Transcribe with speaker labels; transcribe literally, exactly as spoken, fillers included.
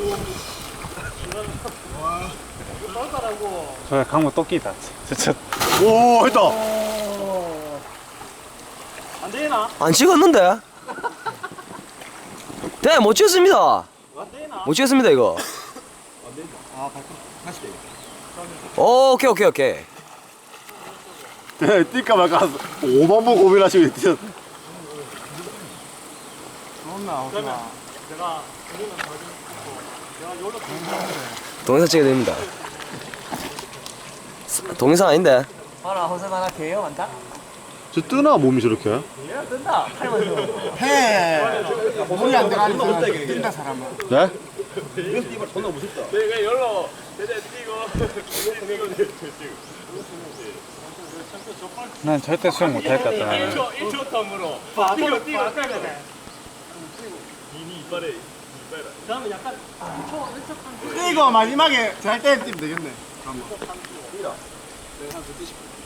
Speaker 1: 저 강모 토끼다. 진짜.
Speaker 2: 오 했다.
Speaker 3: 안 되나?
Speaker 4: 안 찍었는데? 네, 못 찍었습니다.
Speaker 3: 안 되나?
Speaker 4: 못 찍었습니다, 이거.
Speaker 2: 아 발톱 다시 돼.
Speaker 4: 오, 오케이, 오케이, 오케이.
Speaker 2: 네, 뛸까 말까 오만 번 고민하시고 뛰었.
Speaker 3: 그러면 제가 우리는 더 좀. 내가 요로
Speaker 4: 동영상 찍어야 됩니다. 동영상 아닌데?
Speaker 3: 봐라 허세 하나 개요 많다.
Speaker 2: 저 뜨나 몸이 저렇게?
Speaker 3: 얘가 뜬다. 팔만
Speaker 5: 해. 물이 안 들어가는 사람 뛴다 사람은.
Speaker 2: 네?
Speaker 3: 내가 열로 대대 뛰고 뛰고
Speaker 1: 난 절대 수영 못할 것 같아. 나는.
Speaker 3: 일 초 일 초 텀으로 뛰고 뛰고 이니 이빨에 이빨에 그다음에 약간 일 초 일 초 텀
Speaker 5: 이거 마지막에 잘 때 뛰면 되겠네.